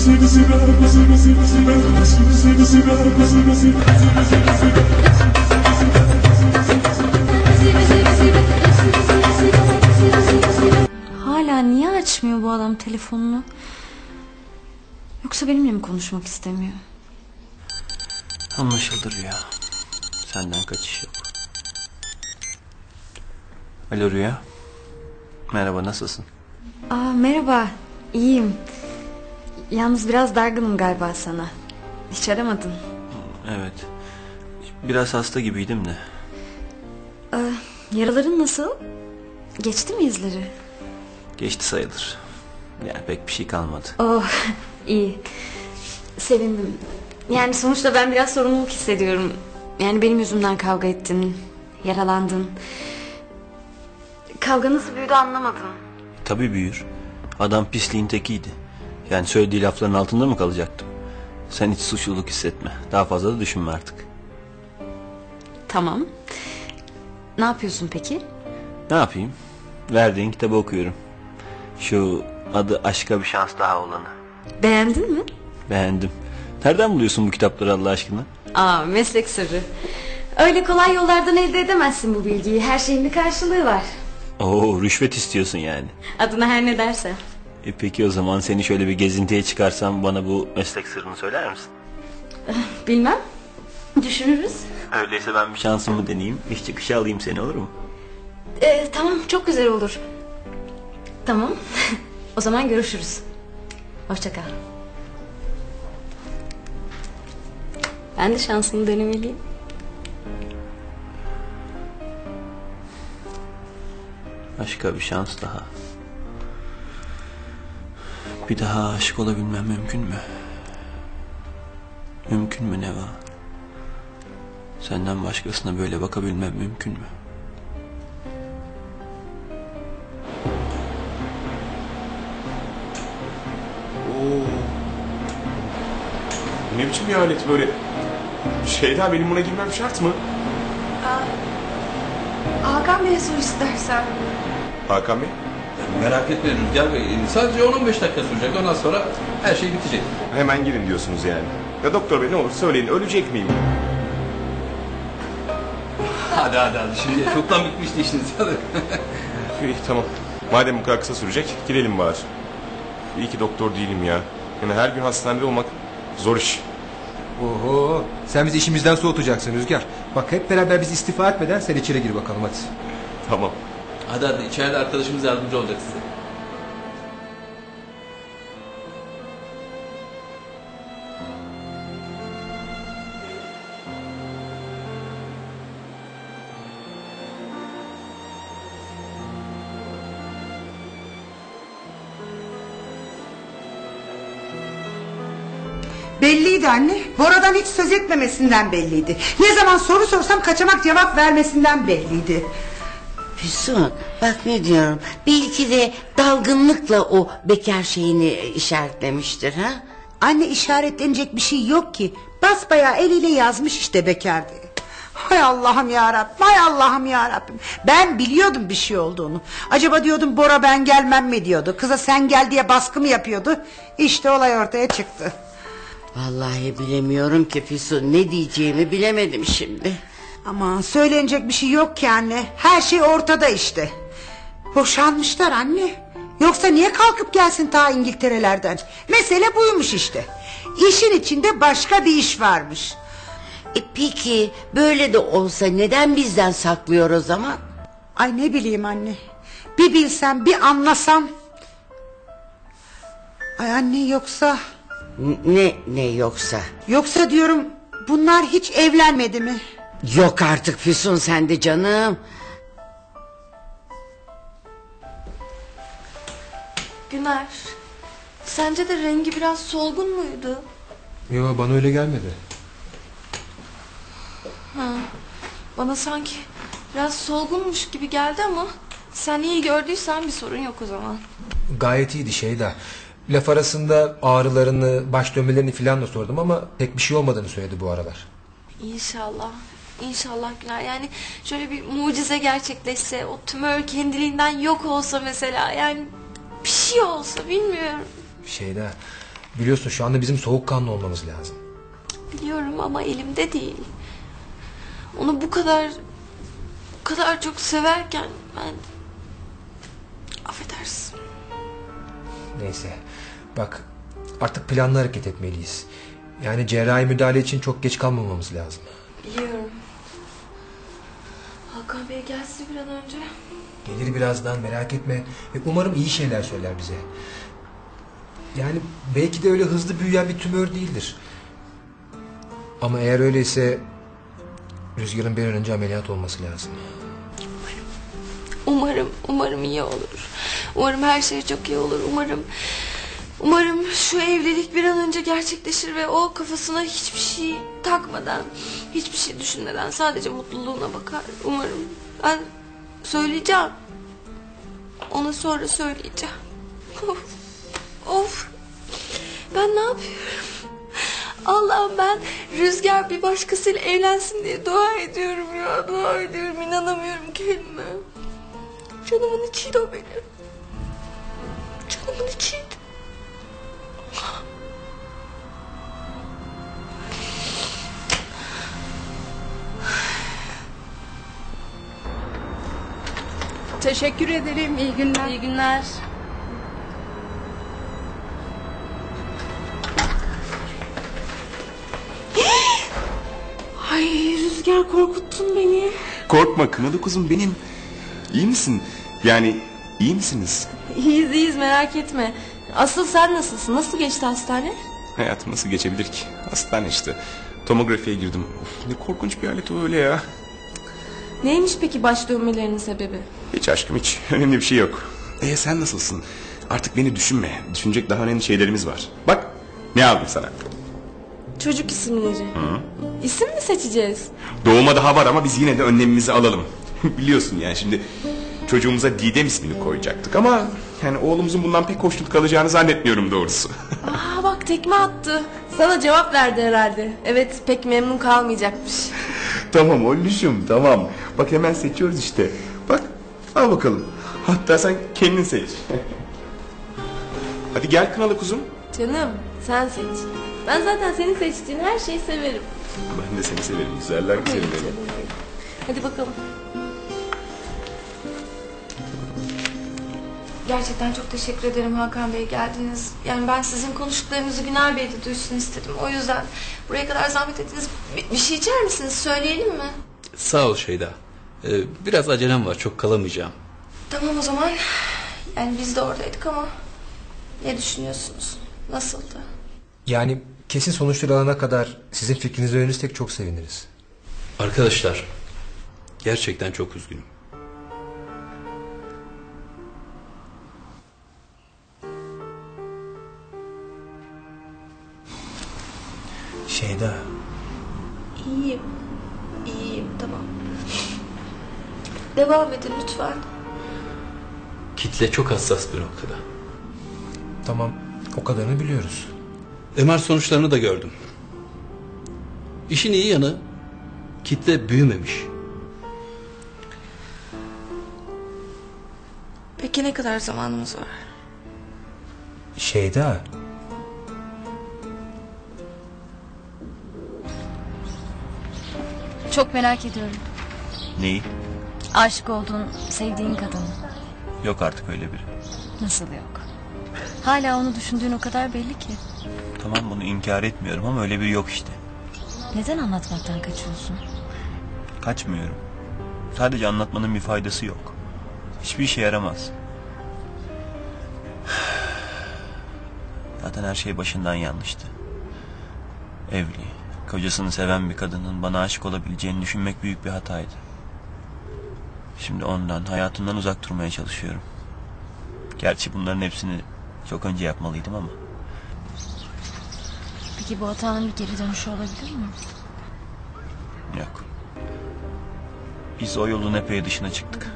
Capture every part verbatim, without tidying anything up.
Hala niye açmıyor bu adam telefonunu? Yoksa benimle mi konuşmak istemiyor? Anlaşıldı Rüya. Senden kaçış yok. Alo Rüya. Merhaba, nasılsın? Aa, merhaba, iyiyim. Yalnız biraz dargınım galiba sana. Hiç aramadın. Evet. Biraz hasta gibiydim de. Ee, yaraların nasıl? Geçti mi izleri? Geçti sayılır. Yani pek bir şey kalmadı. Oh, iyi. Sevindim. Yani sonuçta ben biraz sorumluluk hissediyorum. Yani benim yüzümden kavga ettin, yaralandın. Kavga nasıl büyüdü anlamadım. Tabii büyür. Adam pisliğin tekiydi. Yani söylediği lafların altında mı kalacaktım? Sen hiç suçluluk hissetme. Daha fazla da düşünme artık. Tamam. Ne yapıyorsun peki? Ne yapayım? Verdiğin kitabı okuyorum. Şu adı Aşka Bir Şans Daha olanı. Beğendin mi? Beğendim. Nereden buluyorsun bu kitapları Allah aşkına? Aa, meslek sırrı. Öyle kolay yollardan elde edemezsin bu bilgiyi. Her şeyin bir karşılığı var. Oo, rüşvet istiyorsun yani. Adına her ne dersen. E peki o zaman seni şöyle bir gezintiye çıkarsam bana bu meslek sırrını söyler misin? Bilmem. Düşünürüz. Öyleyse ben bir şansımı deneyeyim. İş çıkışı alayım seni, olur mu? Ee, tamam, çok güzel olur. Tamam. O zaman görüşürüz. Hoşça kal. Ben de şansımı denemeliyim. Başka bir şans daha. Bir daha aşık olabilmem mümkün mü? Mümkün mü Neva? Senden başkasına böyle bakabilmem mümkün mü? Oo. Ne biçim bir alet böyle? Şeyda, benim buna girmem şart mı? Hakan Bey'e sor istersen. Hakan Bey? Merak etme Rüzgar Bey. Sadece on on beş dakika sürecek. Ondan sonra her şey bitecek. Hemen girin diyorsunuz yani. Ya doktor bey, ne olur söyleyin, ölecek miyim? Hadi hadi hadi. Şimdi çoktan bitmişti işiniz. Hadi. İyi, tamam. Madem bu kadar kısa sürecek, girelim bari. İyi ki doktor değilim ya. Yani her gün hastanede olmak zor iş. Oho, sen bizi işimizden soğutacaksın Rüzgar. Bak hep beraber biz istifa etmeden sen içeri gir bakalım hadi. Tamam. Hadi hadi. İçeride arkadaşımız yardımcı olacak size. Belliydi anne. Bora'dan hiç söz etmemesinden belliydi. Ne zaman soru sorsam kaçamak cevap vermesinden belliydi. Füsun, bak ne diyorum. Belki de dalgınlıkla o bekar şeyini işaretlemiştir ha? Anne, işaretlenecek bir şey yok ki. Basbayağı eliyle yazmış işte bekar diye. Hay Allah'ım yarabbim, hay Allah'ım yarabbim. Ben biliyordum bir şey olduğunu. Acaba diyordum Bora ben gelmem mi diyordu. Kıza sen gel diye baskı mı yapıyordu. İşte olay ortaya çıktı. Vallahi bilemiyorum ki Füsun, ne diyeceğimi bilemedim şimdi. Ama söylenecek bir şey yok ki anne. Her şey ortada işte. Boşanmışlar anne. Yoksa niye kalkıp gelsin ta İngiltere'lerden? Mesele buymuş işte. İşin içinde başka bir iş varmış. E peki böyle de olsa neden bizden saklıyor o zaman? Ay ne bileyim anne. Bir bilsem, bir anlasam. Ay anne, yoksa... Ne ne yoksa? Yoksa diyorum, bunlar hiç evlenmedi mi? Yok artık Füsun, sen de canım. Güner, sence de rengi biraz solgun muydu? Yo, bana öyle gelmedi. Ha, bana sanki biraz solgunmuş gibi geldi ama sen iyi gördüysen bir sorun yok o zaman. Gayet iyiydi Şeyda. Laf arasında ağrılarını, baş dönmelerini filan da sordum ama pek bir şey olmadığını söyledi bu aralar. İnşallah. İnşallah Güner. Yani şöyle bir mucize gerçekleşse, o tümör kendiliğinden yok olsa mesela, yani bir şey olsa, bilmiyorum. Şeyda, Biliyorsun şu anda bizim soğukkanlı olmamız lazım. Biliyorum ama elimde değil. Onu bu kadar bu kadar çok severken ben affedersin. Neyse. Bak artık planlı hareket etmeliyiz. Yani cerrahi müdahale için çok geç kalmamamız lazım. Biliyorum. Hakan Bey gelse bir an önce. Gelir birazdan, merak etme. Ve umarım iyi şeyler söyler bize. Yani belki de öyle hızlı büyüyen bir tümör değildir. Ama eğer öyleyse Rüzgar'ın bir an önce ameliyat olması lazım. Umarım, umarım iyi olur. Umarım her şey çok iyi olur. Umarım, umarım şu evlilik bir an önce gerçekleşir ve o kafasına hiçbir şey takmadan, hiçbir şey düşünmeden sadece mutluluğuna bakar. Umarım. Ben söyleyeceğim. Ona sonra söyleyeceğim. Of, of. Ben ne yapıyorum? Allah'ım ben Rüzgar bir başkasıyla evlensin diye dua ediyorum ya. Dua ediyorum. İnanamıyorum kendime. Canımın içiydi o benim. Canımın içiydi. Teşekkür ederim. İyi günler. İyi günler. Ay Rüzgar korkuttun beni. Korkma kınalı kuzum benim. İyi misin? Yani iyi misiniz? İyiyiz iyiyiz merak etme. Asıl sen nasılsın? Nasıl geçti hastane? Hayatım nasıl geçebilir ki? Hastane işte. Tomografiye girdim. Of, ne korkunç bir alet o öyle ya. Neymiş peki baş dönmelerinin sebebi? Hiç aşkım hiç. Önemli bir şey yok. E sen nasılsın? Artık beni düşünme. Düşünecek daha önemli şeylerimiz var. Bak ne aldım sana. Çocuk isimleri. Hı. İsim mi seçeceğiz? Doğuma daha var ama biz yine de önlemimizi alalım. Biliyorsun yani şimdi çocuğumuza Didem ismini koyacaktık ama yani oğlumuzun bundan pek hoşnut kalacağını zannetmiyorum doğrusu. Aa bak tekme attı. Sana cevap verdi herhalde. Evet pek memnun kalmayacakmış. Tamam oğluşum tamam. Bak hemen seçiyoruz işte. Bak al bakalım. Hatta sen kendin seç. Hadi gel kınalı kuzum. Canım sen seç. Ben zaten senin seçtiğin her şeyi severim. Ben de seni severim. Güzeller güzelim benim. Hadi bakalım. Gerçekten çok teşekkür ederim Hakan Bey geldiniz. Yani ben sizin konuştuklarınızı Güner Bey de duysun istedim. O yüzden buraya kadar zahmet ettiniz. Bir, bir şey içer misiniz? Söyleyelim mi? Sağ ol Şeyda. Ee, biraz acelem var, çok kalamayacağım. Tamam o zaman. Yani biz de oradaydık ama ne düşünüyorsunuz? Nasıldı? Yani kesin sonuçları alana kadar sizin fikrinizi öğrenirsek çok seviniriz. Arkadaşlar, gerçekten çok üzgünüm. Şeyda. İyiyim. İyiyim tamam. Devam edin lütfen. Kitle çok hassas bir noktada. Tamam, o kadarını biliyoruz. M R sonuçlarını da gördüm. İşin iyi yanı kitle büyümemiş. Peki ne kadar zamanımız var? Şeyda. Çok merak ediyorum. Neyi? Aşık olduğun, sevdiğin kadını. Yok artık öyle biri. Nasıl yok? Hala onu düşündüğün o kadar belli ki. Tamam bunu inkar etmiyorum ama öyle biri yok işte. Neden anlatmaktan kaçıyorsun? Kaçmıyorum. Sadece anlatmanın bir faydası yok. Hiçbir işe yaramaz. Zaten her şey başından yanlıştı. Evli, kocasını seven bir kadının bana aşık olabileceğini düşünmek büyük bir hataydı. Şimdi ondan, hayatımdan uzak durmaya çalışıyorum. Gerçi bunların hepsini çok önce yapmalıydım ama. Peki bu hatanın bir geri dönüşü olabilir mi? Yok. Biz o yolun epey dışına çıktık.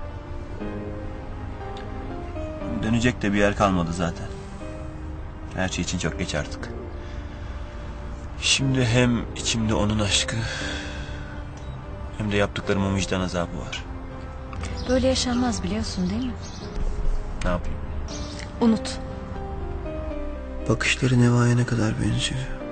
Dönecek de bir yer kalmadı zaten. Her şey için çok geç artık. Şimdi hem içimde onun aşkı hem de yaptıklarımın vicdan azabı var. Böyle yaşanmaz biliyorsun değil mi? Ne yapayım? Unut. Bakışları Neva'ya ne kadar benziyor.